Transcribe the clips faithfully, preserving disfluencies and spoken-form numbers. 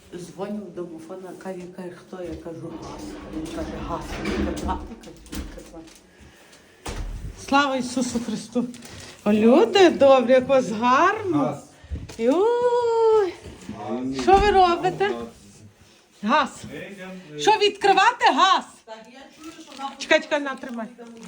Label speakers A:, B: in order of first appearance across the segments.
A: Дзвоню в домофона, каже, каже, хто? Я кажу, газ. Він каже, газ. Він каже, «Газ». Він каже, слава Ісусу Христу! О, люди добрі, як у вас гарно. Ой. Що ви робите? Газ. Що відкривати газ? Чекай, чекай, на, тримай.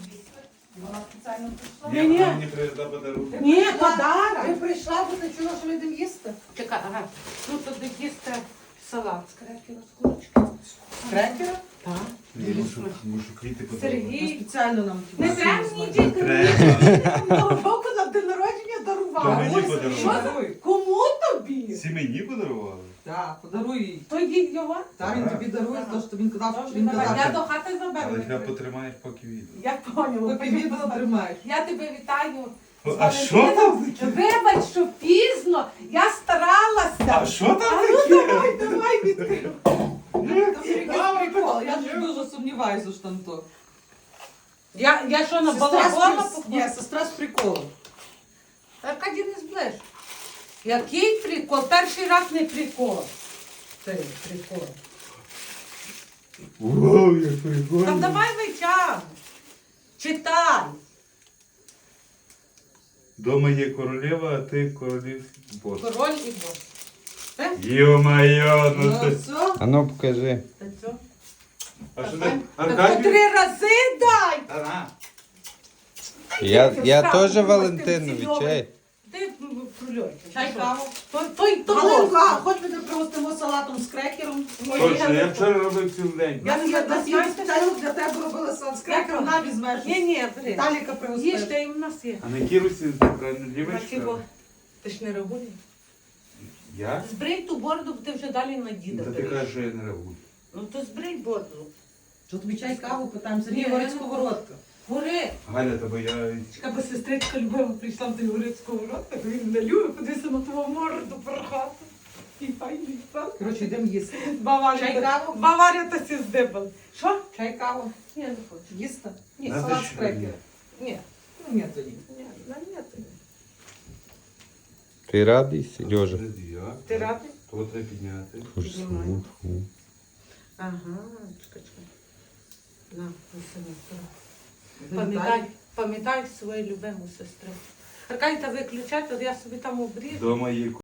B: Ні, ні. Мені привезла подарунок.
A: Ні, подарок.
C: Ви прийшла, бо ти чула, що ми йдемо їсти?
A: Чекай, ага. Ну, туди їсти салат з крекера, з курочки.
C: Крекера?
A: Так.
B: Ні, мушу, мушу квіти подарувати.
A: Сергій.
C: Спеціально нам.
A: Не треба мені діти.
B: Треба.
A: Того року на день народження
B: То
A: дарували.
B: мені
A: Ой,
B: подарували.
A: що за- Кому тобі?
B: Всі мені подарували?
C: Так, подаруй їй.
A: То їй його?
C: Так, він тобі дарує, то що він казав, що він
A: Давай, я
C: казав.
A: до хати заберу.
B: Але тебе потримаєш, поки відео.
A: Я поняла.
C: Поки відео тримаєш.
A: Я тебе вітаю.
B: А що там таке?
A: Вибач, що пізно. Я старалася.
B: А що там
A: А ну
B: таке?
A: давай, давай відкрив.
C: Це якийсь прикол. Я ж дуже сумніваюся, що там то.
A: Я, я що, на
C: Сестра
A: балагона
C: з-
A: похожа?
C: Ні, сестра з приколом.
A: Аркадій, не зближ. Який прикол? Перший раз не прикол. Це прикол.
B: Вау, як
A: Та
B: прикольно.
A: давай витягуй. Читай.
B: Дома є королева, а ти королівський бос.
A: Король і бос. Е?
B: Йо-майо, ну
C: Ну
B: ти...
C: все.
D: А ну покажи.
A: Та що?
B: А що
A: Та
B: так?
A: по
B: Аркадій?
A: три рази дай.
B: Та на.
D: Я, я
A: Справді,
D: теж
A: ти
D: Валентинові,
A: цільовий.
D: чай.
A: Ти прольой.
C: Чай, каву.
A: Той, той, той.
C: Галинка, хоч ми тебе пригостимо салатом з крекером.
B: Точно, я вчора робив цілий день.
C: Я
A: Я
C: на нас
A: знаєте,
C: є спеціально для тебе робила салат з крекером, на візьмеш.
A: Ні, ні, бери.
C: Таліка пригостила.
A: Їжте, і в нас є.
B: А на якій русі ти правильно
A: На
B: дівчинка?
A: чого? Ти ж не реагуєш?
B: Я?
A: Збрий ту бороду, бо ти вже далі на діда
B: Та ти
A: береш.
B: кажеш, що я не реагую.
A: Ну то збрий бороду.
C: Що тобі чай, каву, питаємо. Сергій
A: Ні,
C: говорить
A: я не
C: сковородка.
A: Гори.
B: Галя, тебе я...
A: Чекай, бо сестричка любила, прийшла в той горить сковородка, він не любить, подивися на твого морду порхати. І файний стан.
C: Коротше, йдемо їсти.
A: Баварія,
C: Чай,
A: та-
C: каву?
A: Баварія та сі здибали. Що?
C: Чай, каву.
A: Ні, не хочу.
C: Їсти?
A: Ні,
B: Надо
C: салат
B: ще
C: з крекером.
A: Ні,
C: Ну, ні, тоді.
A: ні, на ні тобі.
D: Ти радий, Сережа?
B: Я?
A: Ти радий?
B: То треба підняти.
A: Піднімаю. Ага, чекай, чекай. На, неси на Пам'ятай, пам'ятай свою любиму сестру. Аркадій, та виключай, то я собі там обріжу.
B: Дома є